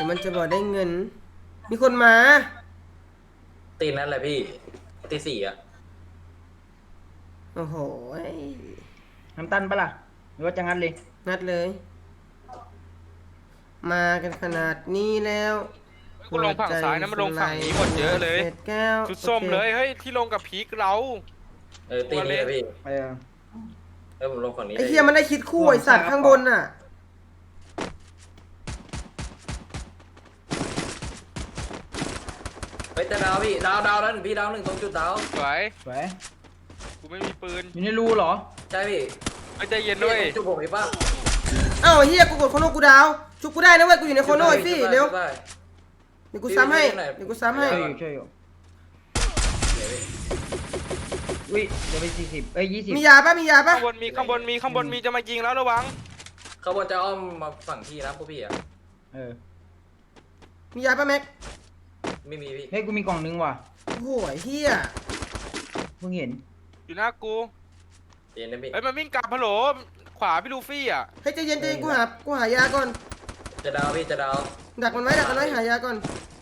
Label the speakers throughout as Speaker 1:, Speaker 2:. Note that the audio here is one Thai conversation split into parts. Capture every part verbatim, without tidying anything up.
Speaker 1: มันจะบอกได้เงิน มีคนมา
Speaker 2: ตีนั่นแหละพี่ตีสี่อ่ะ
Speaker 1: โอ้โห
Speaker 3: น้ำตันปะล่ะหรือว่าจะงัดเลย
Speaker 1: นัดเลย มากันขนาดนี้แล้ว
Speaker 4: กูลงฝั่งซ้ายนะมันลงฝั่งนี้หมดเยอะเลย
Speaker 1: ศษแก้ว
Speaker 4: ชุดส้ม
Speaker 1: โอค
Speaker 4: เลยเฮ้ยที่ลงกับพีกเรา
Speaker 2: เออตีนี่แหละพี่
Speaker 3: เออ
Speaker 2: เออผมลงฝั่งนี้
Speaker 1: ไอ้เหี้ยมันได้คิดคู่ไอ้สัตว์ข้างบนน่ะ
Speaker 2: เฮ้ยแต่ดาวพี่ดาวดาวแล้วหนึ่งพี่ดาวหนึ่งตรงจุดดาว
Speaker 4: สวย
Speaker 3: สวย
Speaker 4: กูไม่มีปืน
Speaker 3: อยู่ในรูเหรอ
Speaker 2: ใช่พี่
Speaker 4: ไม่ใจเย็นด้วย
Speaker 2: จุดผมอีกป่ะ
Speaker 1: เอ้าไอ้เหี้ยกูกดโคโนกูดาว ชุบกูได้นะเว้ย กูอยู่ในโคโนไอ้พี่เร็ว
Speaker 2: ได้
Speaker 1: เดี๋ยวกูซ้ำให้ เดี๋ยวกูซ้ำให้
Speaker 3: ช่วยอยู่ช่วยอยู่อุ้ยเดี๋ยวไปสี่สิบเอ้ยยี่สิบ
Speaker 1: มียาปะมียาปะ
Speaker 4: ข้างบนมีข้างบนมีข้างบนมีจะมายิงแล้วระวัง
Speaker 2: เขาบนจะอ้อมมาฝั่งพี่นะพวกพี่อ่ะ
Speaker 3: เออ
Speaker 1: มียาปะแม็ก
Speaker 2: ไม่มีพี่
Speaker 3: เฮ้ยกูมีกล่องนึงว่ะ
Speaker 1: โอ้โหไอ้เหี้ย
Speaker 3: เพิ่งเห็น
Speaker 4: อยู่หน้ากู
Speaker 2: เย็นนะพี่
Speaker 4: เฮ้ยมันวิ่งกลับฮัลโหลขวาพี่ลูฟี่อ่ะ
Speaker 1: เฮ้ยใจเย็นใจเย็นกูหา กูหายาก่อน
Speaker 2: จะดาวพี่จะดาว
Speaker 1: ดักมันไว้ดักมันไว้หายาก่อน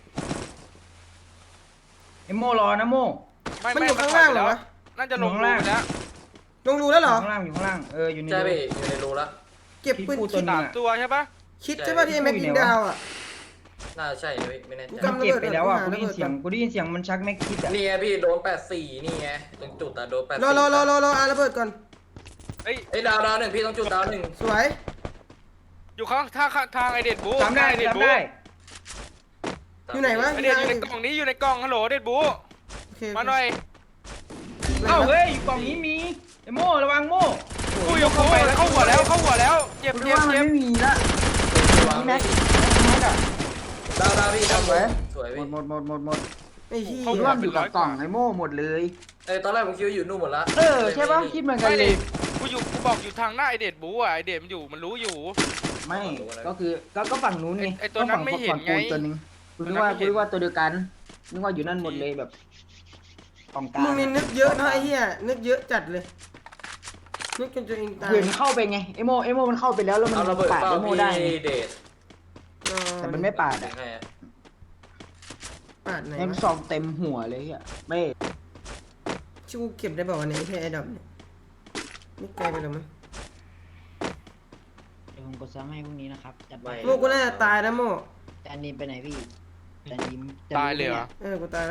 Speaker 3: ไอโมรอนะโม
Speaker 4: ไม่
Speaker 1: มัน
Speaker 4: ไม่
Speaker 1: อยู่ข้างล่างเหรอวะ
Speaker 4: น่าจะลง
Speaker 3: อยู่ข้าง
Speaker 4: รู
Speaker 3: ล่าง
Speaker 4: ไปแล้ว
Speaker 1: ลงรูแล้วเหรอ
Speaker 3: อยู่ข้างล่างอยู่ข้างล่างเอออยู่ใน
Speaker 2: ใช่
Speaker 3: รู
Speaker 2: พี่อยู่ในรูละ
Speaker 1: เก็บปืน
Speaker 3: พี่พูด
Speaker 1: คิด
Speaker 3: ตัว
Speaker 4: สามตัวใช่ปะ
Speaker 1: คิดใช่ป่ะที่ไอ้แม็กยิงดาวอ่ะ
Speaker 2: น่าใช่นะพี่ไม่แน่ใจ
Speaker 1: กู
Speaker 3: มัน
Speaker 1: กำ
Speaker 3: เก็บไปแล้วอ่ะ
Speaker 1: ระ
Speaker 3: กู
Speaker 1: เบิ
Speaker 3: ได้
Speaker 1: ด
Speaker 3: ยินเสียงกูได้ยินเสียงมันชักแม็กคิดอ่ะ
Speaker 2: นี่ไงพี่โดนแปดสี่นี่ไงตรงจุดอะโดนแปด
Speaker 1: ร
Speaker 2: สี่
Speaker 1: อรอรอรอรออาระเบิดก่อน
Speaker 4: เฮ้ย
Speaker 2: ไอ้ดาวดาวหนึ่งพี่ต้องจุดดาวหนึ่ง
Speaker 1: สวย
Speaker 4: อยู่ข้างทางทางไอเด็ดบู
Speaker 3: จำได้
Speaker 4: ไอเด็ด
Speaker 3: จำ
Speaker 4: บู
Speaker 3: ได้
Speaker 1: อยู่ไหนวะ
Speaker 4: ไอเด็ดอยู่ในกล่องนี้อยู่ในกล่องฮัลโหลเด็ดบู
Speaker 1: โอเค
Speaker 4: มาหน่อย
Speaker 1: ไหน
Speaker 3: เอ้าว
Speaker 1: ะ
Speaker 3: เฮ้ยกล่องนี้มีไอโมระวังโม
Speaker 4: กูอยู่เข้าไปเข้าหัวแล้วเข้าหัวแล้วเจ็บ
Speaker 5: กู
Speaker 4: เจ็บ
Speaker 5: ว่ามัน
Speaker 4: เจ็บ
Speaker 5: ไม่มีละ
Speaker 2: วาง
Speaker 5: แม็ก
Speaker 2: พี่
Speaker 5: แม็กอะ
Speaker 2: ดาวดาวพี่ดาว
Speaker 5: สวย
Speaker 2: สวย
Speaker 5: หม
Speaker 2: พี่
Speaker 5: ดหมดหมดหมดหมด
Speaker 1: ไอ้เหี้
Speaker 5: คิด
Speaker 1: ย
Speaker 5: ว่าอยู่กับกล่องไอโม่หมดเลย
Speaker 2: เออตอนแรกผมคิดว่าอยู่นู่นหมดละ
Speaker 5: เออใช่ปะคิดเหมือนกัน
Speaker 4: ไม่
Speaker 5: เล
Speaker 4: ดิ
Speaker 5: ย
Speaker 4: กูอยู่กูบอกอยู่ทางหน้าไอเด็ดบูอ่ะไอเด็ดมันอยู่มันรู้อยู่
Speaker 5: ไม่ก็คือก็ก็ฝั่งนู้นไง
Speaker 4: ไอ้ตัวนั้นไม่เห็นไง
Speaker 5: ฝั่ปูตัวนึงกูนึกว่ากูนึกว่าตัวเดียวกันนึกว่าอยู่นั่นหมดเลยแบบกล่องกลาง
Speaker 1: มึงนี่นึกเยอะนะไอ้เหี้ยนึกเยอะจัดเลยนึกจนตัวเองตาย
Speaker 5: เห็นเข้าไปไงไอโมไอโมมันเข้าไปแล้วแล้วมัน
Speaker 2: เอาระเบิด
Speaker 5: ปาด
Speaker 2: เป้า
Speaker 5: ไอโม
Speaker 2: พี่
Speaker 5: ได้ไง
Speaker 2: เดช
Speaker 1: อ๋อ
Speaker 5: แต่มันไม่ปาด
Speaker 2: ถึ
Speaker 5: อ่ะ
Speaker 2: งให้อะ
Speaker 1: ปาดไหน
Speaker 5: แอม
Speaker 1: วะ
Speaker 5: ซองเต็มหัวเลยอ่ะไม่
Speaker 1: ชูเก็บได้บอกว่าไหนแค่ไอ้ดอกเนี่ยไม่ไกลไปหรอมั้ง
Speaker 5: เดี๋ยวผมกดซ้ำให้พรุ่งนี้นะครับจัดไป
Speaker 1: โมกูน่าจะตายนะโม
Speaker 5: จานนี้ไปไหนพี่จานนี้จะ
Speaker 4: ตายเลยเหรอ
Speaker 1: เออกูตายละ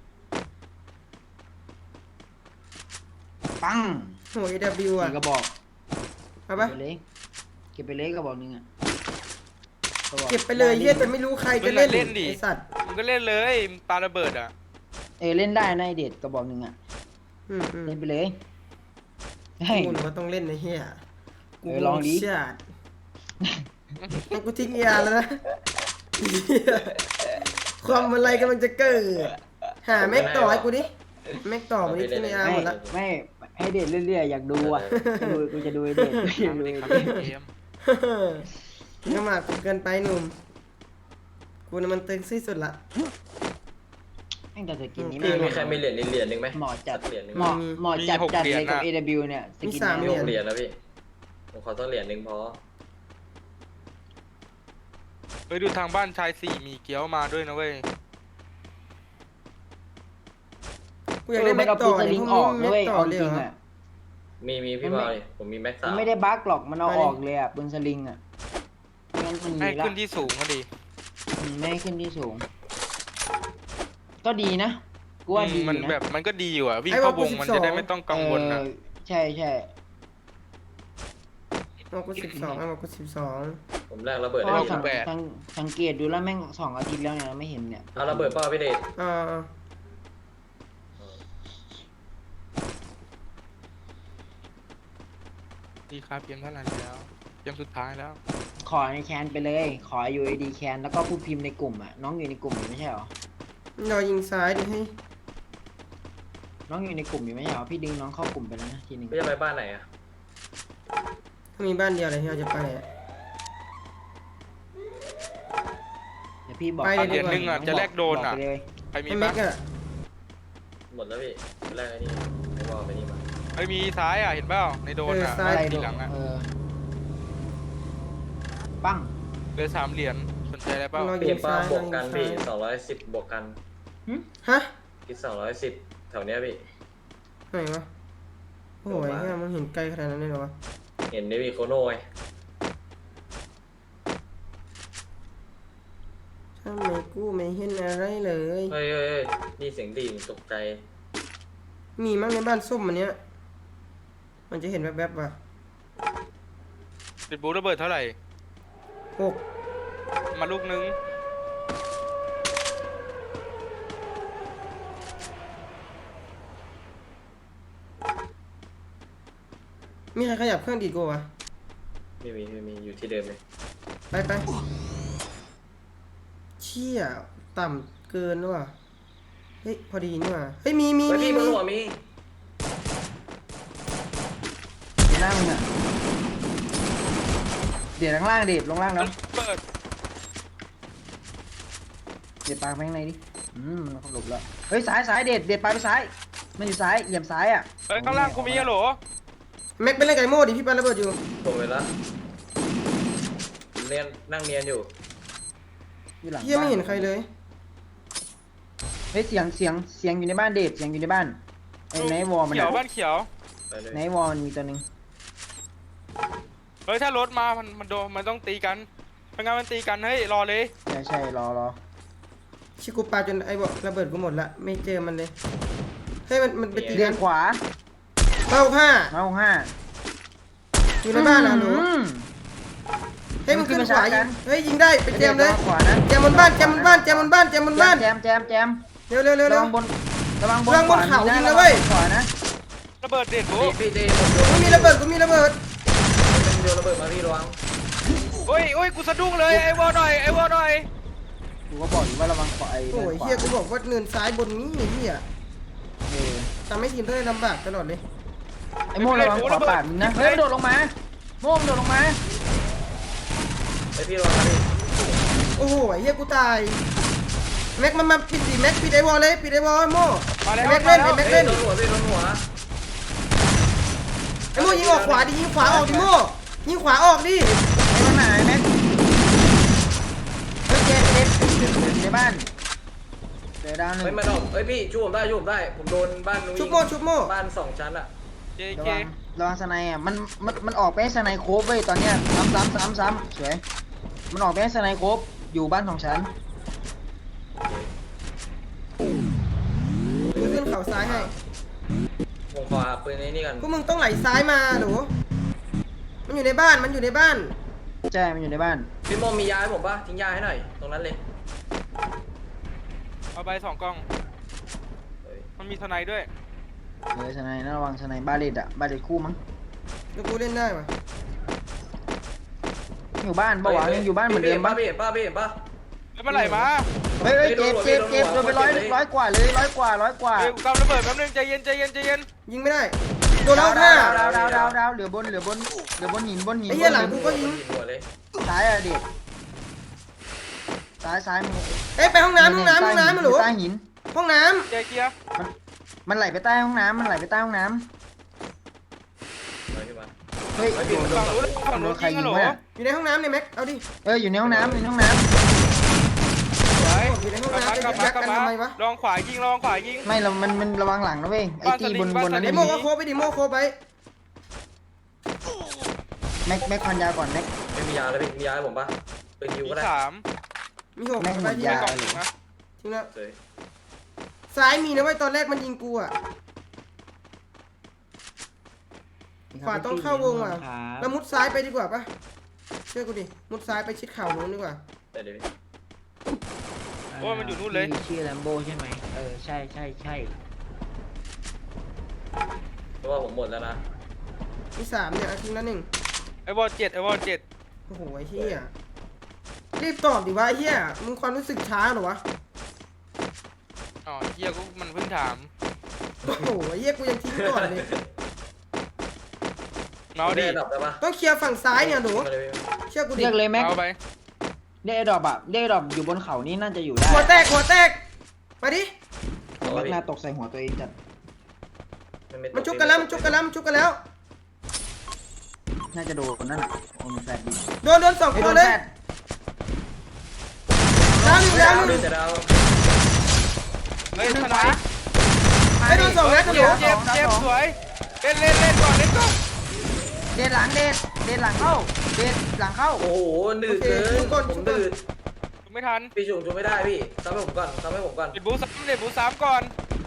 Speaker 5: ปัง
Speaker 1: โหเอดบิวอ่ะ
Speaker 5: สี่กระบอก
Speaker 1: เอาปะ
Speaker 5: เก็บไปเลยเก็บไปเลยกระบอกหนึงอ่ะระบอก
Speaker 1: เก็บไปเลยเหี้ยแต่ไม่รู้ใครจะเล่น
Speaker 4: มึงอะเล่นดิ
Speaker 1: ไอ้สัตว์
Speaker 4: มึงก็เล่นเลยปาระเบิดอ่ะ
Speaker 5: เออเล่นได้นะไอเด็ดกระบอกหนึงอ่ะ
Speaker 1: อืมอืม
Speaker 5: เล่นไปเลยเฮ้ย
Speaker 1: กูก็ต้องเล่นในเฮียกู
Speaker 5: เออลองดิ
Speaker 1: ชาติให้กูทิ้งยาแล้วนะเหี้ยความอะไรกำลังจะเกิด หาแม็กต่อให้กูดิ แม็กต่อมาดิทิ้งยาห
Speaker 5: ไม่
Speaker 1: มดละ
Speaker 5: ไม่ให้เด็ดเรื่อยๆอยากดูอ่ะจะดูกูจะดูไอเด็ดกูจะดูไอ
Speaker 4: ครับ
Speaker 5: เด็ด
Speaker 4: เกม
Speaker 1: มึงก็มากกูเกินไปหนุ่ม กูน่ะมันตึงที่สุดละ
Speaker 5: ตั้งแต่สกินนี้
Speaker 2: พี่
Speaker 5: ไม่
Speaker 2: มีใครมีเหรียญเหรียญหนึ่งไหม
Speaker 5: เหมาะจัด
Speaker 2: เหรียญหนึ่ง
Speaker 5: เหมาะเหมาะจัดจัดเลยกับ เอ ดับเบิลยู เนี่ยสกิน
Speaker 1: มีสาม
Speaker 2: มี
Speaker 5: นี้
Speaker 2: หกเหรียญนะพี่ผมขอต้องเหรียญหนึ่งพอ
Speaker 4: ไปดูทางบ้านชายสี่มีเกี๊ยวมาด้วยนะเว้ย
Speaker 1: กูอยาก
Speaker 5: เอ
Speaker 1: ได้
Speaker 5: อมั
Speaker 1: แม็
Speaker 5: น
Speaker 1: ก
Speaker 5: เอา
Speaker 1: ต่
Speaker 5: ปื
Speaker 1: อน
Speaker 5: ส
Speaker 1: ดิ
Speaker 5: ลิง
Speaker 1: พ
Speaker 5: อ
Speaker 1: ว
Speaker 5: อก
Speaker 1: มึง
Speaker 5: ด้
Speaker 1: แม็
Speaker 5: วย
Speaker 1: กต่อ
Speaker 5: เอา
Speaker 1: เล
Speaker 5: จ
Speaker 1: ย
Speaker 5: ริง
Speaker 1: เหรอ
Speaker 5: อ่ะ
Speaker 2: มีมีพี่บอยผมมีแม็ก
Speaker 5: มั
Speaker 2: สาน ม
Speaker 5: ไม่ได้บั๊กหรอกมันเอาออกเลยอ่ะปืนสลิงอ่ะไม่งั้นมัน
Speaker 4: ให้
Speaker 5: มีละ
Speaker 4: ขึ้นที่สูงก็ดี
Speaker 5: อืมไม่ให้ขึ้นที่สูง ก็ดีนะกูว่าดี
Speaker 4: มัน
Speaker 5: นะ
Speaker 4: แบบมันก็ดีอยู่อ่ะวิ่งเข้าวงมันจะได้ไม่ต้องกังวลนะ
Speaker 5: เออใช่ใช่
Speaker 1: เอากูสิบสองเอากูสิบสอง
Speaker 2: ผมแลกระเบิด
Speaker 5: เพ
Speaker 2: ได้
Speaker 5: ราะว่า
Speaker 2: พี่
Speaker 5: สังสังสังเกตดูแล้วแม่งสองอาทิตย์แล้วเนี่ยไม่เห็นเนี่ย
Speaker 2: เอาระเบิดเป้าพี่เดช
Speaker 1: อ่า
Speaker 4: ดีครับเกมเท่าไหร่แล้วเกมสุดท้ายแล้ว
Speaker 5: ขอในแคนไปเลย ขอ ยู ไอ ดี แคนแล้วก็พูดพิมพ์ในกลุ่มอ่ะน้องอยู่ในกลุ่มอยู่ไม่ใช่หรอ
Speaker 1: เรายิงซ้ายดิให้
Speaker 5: น้องอยู่ในกลุ่มอยู่ไม่ใช่หรอพี่ดึงน้องเข้ากลุ่มไปแล้วนะทีนึง
Speaker 2: พี่จะไปบ้านไหนอะ
Speaker 1: ถ้ามีบ้านเดียวอะไรที่เราจะไปอะ
Speaker 5: เดี๋ยวพี่บอก
Speaker 1: ไป
Speaker 4: เหรียญหนึ่งอ่ะจะแลกโดนอ่ะ
Speaker 5: บไปเลย
Speaker 4: ใครมี
Speaker 1: ให้แม็
Speaker 4: ปะ
Speaker 1: กอะ
Speaker 2: หมดแล้วพี่แรกไอ้นี่ไม่ว่าไปนี่มา
Speaker 4: ไอ้มีซ้ายอ่ะเห็นเปล่าในโดนอ่ะ
Speaker 5: อะไร
Speaker 4: ที
Speaker 5: โดน
Speaker 4: หลังอ่ะ
Speaker 5: เออปั้ง
Speaker 4: เหลือสามเหรียญสนใจอะไรเปล่า
Speaker 1: รอ
Speaker 2: พี่
Speaker 1: ยิ
Speaker 2: เห็
Speaker 1: ง
Speaker 2: นป้า
Speaker 1: ซ้าย
Speaker 2: บ
Speaker 1: ร
Speaker 2: ว
Speaker 1: อก ยิง
Speaker 2: กัน
Speaker 1: ซ้า
Speaker 2: พี่
Speaker 1: ย
Speaker 2: สองร้อยสิบบวกกัน
Speaker 1: ฮะ
Speaker 2: คิดสองร้อยสิบแถวเนี้ยพี่
Speaker 1: ไหนวะโอ้ยเนี่ยมันเห็นไกลขนาดนั้นเลยเหรอวะ
Speaker 2: เห็นในวีโคโน่ไง
Speaker 1: ทำไมกูไม่เห็นอะไรเลย
Speaker 2: เฮ้ยเฮ้ยเฮ้ยนี่เสียงดีตกใจ
Speaker 1: มีมั้งในบ้านส้มอันเนี้ยมันจะเห็นแวบๆว่ะ
Speaker 4: ติดบูระเบิดเท่าไหร่
Speaker 1: หก
Speaker 4: มาลูกนึง
Speaker 1: มีใครขยับเครื่องดีดกูวะ
Speaker 2: ไม่มีไม่มีอยู่ที่เดิมเลย
Speaker 1: ไปไปเชี่ยต่ำเกินว่ะเฮ้ยพอดีนี่ว่ะเฮ้ยมีมี
Speaker 2: เฮ้ย
Speaker 1: มี
Speaker 2: พี่บน
Speaker 1: มี
Speaker 2: หัวมี
Speaker 5: อยู่หน้ามึงอะเดี๋ยวข้างล่างเด็ดลงล่างแล้ว
Speaker 4: เปิด
Speaker 5: เด็ดปลาไปข้างในดิอืมมันหลบแล้วเฮ้ยซ้ายซ้ายเด็ดเด็ดปลาไปซ้ายมันอยู่ซ้ายเหลี่ยมซ้ายอ่ะ
Speaker 4: เฮ้ยข้างล่างกูมีอะโหล
Speaker 1: แม็กเป็นเล่นไก่โม่ดิพี่ปาระเบิดอยู่
Speaker 2: ผมเวลาเนียนนั่งเนียนอยู่
Speaker 5: อยู่หลัง
Speaker 1: เฮียไม่เห็นใครเลย
Speaker 5: เฮ้ยเสียงเสียงเสียงอยู่ในบ้านเด็ดเสียงอยู่ในบ้านไอ้ไนท์วอลมัน
Speaker 4: เขียว
Speaker 5: อะ
Speaker 4: บ้านเขียว
Speaker 2: ไปเลย
Speaker 5: ไนท์วอลมันมีตัวหนึง
Speaker 4: เฮ้ยถ้ารถมา มันมันโดนมันต้องตีกันเป็นงานมันตีกันเฮ้ยรอเลย
Speaker 5: ใช่ใช่รอรอ
Speaker 1: ชิกูปาจนไอ้บอกระเบิดกูหมดละไม่เจอมันเลยเฮ้ยมันมันไปตี
Speaker 5: เดิ
Speaker 1: กัน
Speaker 5: นขวา
Speaker 1: เป้าห้า
Speaker 5: เมาห้า
Speaker 1: อยู่ในบ้านนะหนู
Speaker 5: อืม
Speaker 1: เฮ้ยมันขึ้นขวา
Speaker 5: มันขึ้
Speaker 1: ยิ
Speaker 5: น
Speaker 1: ง
Speaker 5: มาชาร์จกัน
Speaker 1: เฮ้ยยิงได้ไปแจมเลย
Speaker 5: ระวังขวานะ
Speaker 1: แจมบนบ้านแจมบนบ้านแจมบนบ้านแจมบนบ้าน
Speaker 5: แจมแจมแจม
Speaker 1: เร็วเร็วเร็ว
Speaker 5: ระ
Speaker 1: เร็ว
Speaker 5: วังบนระวังบน
Speaker 1: ระวังบนเขา
Speaker 5: ขว
Speaker 1: ยิง
Speaker 5: มี
Speaker 1: นะเว้ย
Speaker 5: ขวานะ
Speaker 4: ระเบิดเด็ดบู
Speaker 2: พี่พี่เดย์ผมโดน
Speaker 1: กูมีระเบิดกูมีระเบิด
Speaker 2: เป็นโดนระเบิดมาพี่ระวัง
Speaker 4: โอ้ยโอ้ยกูสะดุ้งเลยไอ้วอลหน่อยไอ้วอลหน่อย
Speaker 5: กูก็บอกอยู่ว่าระวังขวาไอ้
Speaker 1: โอ้ย
Speaker 5: ขวา
Speaker 1: เฮียกูบอกว่าเนินซ้ายบนนี้เฮีย
Speaker 5: เออ
Speaker 1: ทำให้ทีมได้ลำบากตลอดเลย
Speaker 5: ไอ้โม่ระวังขวาปาดมึงนะเฮ้ยมันโดดลงมาโม่มันโดดลงมา
Speaker 2: ไอพี่ระวังนะพี่
Speaker 1: โอ้โหเฮียกูตายแม็กมันมาปิดสิแม็กปิดไอวอลเลยปิดไอวอลไอ้โม่
Speaker 4: มาแล้ว
Speaker 1: แม็ก
Speaker 4: มา
Speaker 1: เล่น
Speaker 4: แล้ว
Speaker 1: ไอ้แม็ก
Speaker 2: เฮ้
Speaker 1: เล่
Speaker 2: ย
Speaker 1: น
Speaker 2: โดนหัวพี่โดนหัว
Speaker 1: ไอ้โม่ยิงออกขวาดิยิงขวาออกดิโม่ยิงขวาออกดิ
Speaker 5: ไอ้มันหายแม็กเฮ้ยเจ็บเจ็บเจ็บอยู่ในบ้านเจอดาวหนึ่ง
Speaker 2: เฮ้ยมาดอกเฮ้ยพี่ช่วยผมได้ช่วยผมได้ผมโดนบ้านนู้น
Speaker 1: ชุบโม่ชุบโม่
Speaker 2: บ้านสองชั้นอะ
Speaker 4: เจ
Speaker 5: ระ
Speaker 4: เค
Speaker 5: วังระวังสไนอ่ะมันมันมันออกไปให้สไนโคบเว้ยตอนเนี้ยซ้ำซ้ำซ้ำซ้ำสวยมันออกไปให้สไนโคบอยู่บ้านของฉัน
Speaker 1: กูขึ้นเข่าซ้ายให้
Speaker 2: ผมขอหาปืนในนี่กัน
Speaker 1: พวกมึงต้องไหลซ้ายมาหนูมันอยู่ในบ้านมันอยู่ในบ้าน
Speaker 5: ใช่มันอยู่ในบ้าน
Speaker 2: พี่โมมียาให้ผมปะทิ้งยาให้หน่อยตรงนั้นเลย
Speaker 4: เอาไปสองกล้อง
Speaker 2: เฮ้ย
Speaker 4: มันมีทนายด้วย
Speaker 5: เออสไนนะระวังสไนบาเลตอ่ะบาเลตคู่มั้ง
Speaker 1: แล้วกูเล่นได้ปะ
Speaker 5: อยู่บ้านปะวะยังอยู่บ้านเหมือนเดิมปะ
Speaker 2: พี่เห็นปะพี่เห็นปะ
Speaker 4: แล้วเมื่อไหร่มา
Speaker 5: เฮ้ยเฮ้ยเจ็บเจ็บเจ็บโดนไปร้อยร้อยกว่าเลยร้อยกว่าร้อยกว่า
Speaker 4: เฮ้ยกูกำระเบิดแป๊บนึงใจเย็นใจเย็นใจเย็น
Speaker 1: ยิงไม่ได้โดนแล้วห้า
Speaker 5: ดาวดาวดาวดาวเหลือบนเหลือบนเหลือบนหินบนหิน
Speaker 1: ไอ้เหี้ยหลังกูก็ยิง
Speaker 2: หัวเลย
Speaker 5: ซ้ายอะเด็กซ้ายซ้ายมี
Speaker 1: เอ้ยไปห้องน้ำห้องน้ำห้องน้ำมาหนู
Speaker 5: ใต้หิน
Speaker 1: ห้องน้
Speaker 4: เจเกียร์
Speaker 5: มันไหลไปใต้ห้องน้ำมันไหลไปใต้ห้องน้
Speaker 2: ไปขึ้นมา
Speaker 5: ำเฮ้ย
Speaker 2: ไอ้พี่มันโดน
Speaker 4: ฝั่ง
Speaker 2: สอง
Speaker 4: นู้นฝั่ง
Speaker 5: โด
Speaker 4: นู้
Speaker 5: น
Speaker 4: น
Speaker 5: ใคร
Speaker 4: ยิง
Speaker 5: ยิ
Speaker 4: อะ
Speaker 5: ง
Speaker 4: โหล
Speaker 5: วะ
Speaker 1: ำอยู่ในห้องน้ำในแม็กเอาดิ
Speaker 5: เอออยู่ในห้องน้ำอยู่ในห้องน้
Speaker 4: สวย
Speaker 1: อยู่ในห้อง
Speaker 4: กลับ
Speaker 1: น้ำ
Speaker 4: มา
Speaker 1: ไอ้
Speaker 4: กลับ
Speaker 1: แม็
Speaker 4: มาก กลั
Speaker 1: กับ น
Speaker 4: มา
Speaker 1: ทำไมวะ
Speaker 4: ลองขวายิงลองขวายิง
Speaker 5: ำไม่เรามันมันระวังหลังนะเว้ยไอ้
Speaker 4: บ้าน
Speaker 5: ตี
Speaker 4: สลิง
Speaker 5: บน
Speaker 4: บ้าน
Speaker 5: บนนั้น
Speaker 4: สลิ
Speaker 1: ไอ้
Speaker 4: ง
Speaker 1: โม่ก็โคไปดิโม่โคไป
Speaker 5: แม็กแม็กพันยาก่อนแม็ก
Speaker 2: ไม่มียาเลยพี่มียาให้ผมปะปืนยิว
Speaker 4: มี
Speaker 2: ก็ได้
Speaker 4: สาม
Speaker 1: มีหก
Speaker 5: แม่งหม
Speaker 1: ไป
Speaker 5: ด
Speaker 1: ที่
Speaker 5: ยา
Speaker 1: แม็ก
Speaker 4: กล่องหนึ่งนะ
Speaker 1: จริงแล้ว
Speaker 2: เลย
Speaker 1: ซ้ายมีนะเว้ยตอนแรกมันยิงกูอ่ะขวาต้องเข้าวงอ่ะแล้วมุดซ้ายไปดีกว่าปะเชื่อกูดิมุดซ้ายไปชิดเข่านู้นดีกว่า
Speaker 2: แต่เดี๋ยวพี่
Speaker 4: โอ้ยมันอยู่นู่นเลย
Speaker 5: พี่ชื่อแลมโบใช่ไหมเออใช่ใช่ใช่
Speaker 2: เพราะว่าผมหมดแล้วนะ
Speaker 1: มีสามเนี่ยอาทิ้งละหนึ่ง
Speaker 4: ไอ้วอลเจ็ดไอ้วอลเจ็ด
Speaker 1: โอ้โหไอ้เหี้ยรีบตอบดิวะไอ้เหี้ยมึงความรู้สึกช้าเหรอวะ
Speaker 4: อ๋อเฮียกูมันเพิ่งถาม
Speaker 1: โอ้โหไอ้เหี้ยกูยังทิ้งก่อนเลย
Speaker 4: เมาดิ
Speaker 2: ได้ดับได้ปะ
Speaker 1: ต้องเคลียร์ฝั่งซ้ายเนี่ยหนู
Speaker 2: มาเลยพี่
Speaker 1: เชื่อกูดิ
Speaker 5: เรียกเลยแม็ก
Speaker 4: เอาไป
Speaker 5: เรียกไอ้ดอบอะเรียกไอ้ดอบอยู่บนเขานี่น่าจะอยู่ได้
Speaker 1: หัวแตกหัวแตกมาดิ
Speaker 2: เอา
Speaker 5: แม็ก
Speaker 2: พี่
Speaker 5: น่าตกใส่หัวตัวเองจัด
Speaker 2: ไต
Speaker 1: มันชุกกันแล้วมันชุกกันแล้วมันชุกกันแล้ว
Speaker 5: น่าจะโดนนั่นน่ะโอ้มันแฟดดิ
Speaker 1: โดนโดนสอง
Speaker 5: ไอ้
Speaker 1: ค
Speaker 5: โด
Speaker 1: น
Speaker 5: น
Speaker 1: เลย
Speaker 5: แฟด
Speaker 1: ดาวหนึ่งดาวหนึ่ง
Speaker 2: แต่ดาว
Speaker 4: เฮ้ยทนาย
Speaker 1: ไอ้โดนสองนัด
Speaker 4: เจ็บเจ็บเจ็บสวยเล่นเล่นเล่นก่อนเล่นก่อน
Speaker 5: เดนหลังเดนเดนหลังเข้าเดนหลังเข้า
Speaker 2: โอ้โหหนืดเกินผมหนืด
Speaker 4: ไม่ทัน
Speaker 2: พี่จุ่มจุ่มไม่ได้พี่ทำให้ผมก่อนทำให้ผมก่อน
Speaker 4: เด็ดบูสามเด็ดบูสามก่อน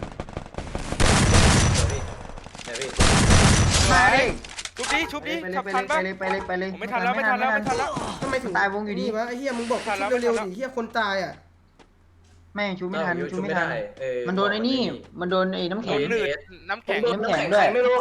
Speaker 2: เดี๋ยวพี่เดี๋ยวพี่
Speaker 5: มาดิ
Speaker 4: ชุบดิชุบดิ
Speaker 5: ไปเลย
Speaker 4: ทับ
Speaker 5: ไป
Speaker 4: ทัน
Speaker 5: เล
Speaker 4: ปะ
Speaker 5: ยไปเลยไปเลยไปเลย
Speaker 4: ผมไม่ทันแล้วไม่ทันแล้วไม่ทันแล้ว
Speaker 1: ทำไมถึง
Speaker 5: ตายวงอยู่ดี
Speaker 1: วะไอ้เหี้ยมึงบอก
Speaker 4: ทันแล้ว
Speaker 1: ชุบเร็ว
Speaker 4: ทันแล้ว
Speaker 1: ๆดิเหี้ยคนตายอ่ะ
Speaker 5: แม่งชูไม่ทันชูไม่ทัน
Speaker 2: เออ
Speaker 5: มันโดนไอ้นี่มันโดนไอ้น้ำ
Speaker 4: โด
Speaker 5: แข็ง
Speaker 4: นหนืดน้ำแข็ง
Speaker 2: ผมโดนน้ำแข็งด้วยไม่รู้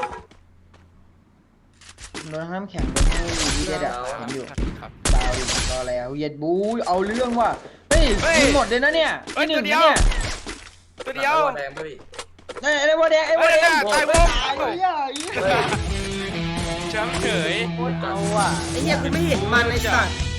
Speaker 5: มันโดนน้ำแข็งโดนไอ้วีเดดอะเห็นอยู่
Speaker 4: ครับ
Speaker 5: ดาวดิรอแล้วเย็ดบูเอาเรื่องว่ะเฮ้ย
Speaker 4: เฮ้ย
Speaker 5: มีหมดเลยนะเนี่ย
Speaker 4: เฮ้ย
Speaker 5: ที่หนึ่ง
Speaker 4: ตัวเดียว
Speaker 5: เนี่ย
Speaker 4: ตัวเดียว
Speaker 2: แดงพี่
Speaker 5: ไอ้ไอ้บัวแดงไอ้บัวแดง
Speaker 4: เฮ้ยตายวง
Speaker 5: ตายเลยอ่ะไอ้เหี้ย
Speaker 4: แชมป์เฉย
Speaker 5: โคตรเอาอ่ะ
Speaker 1: ไอ้เหี้ยกูไม่เห็นมันไอ้สัตว์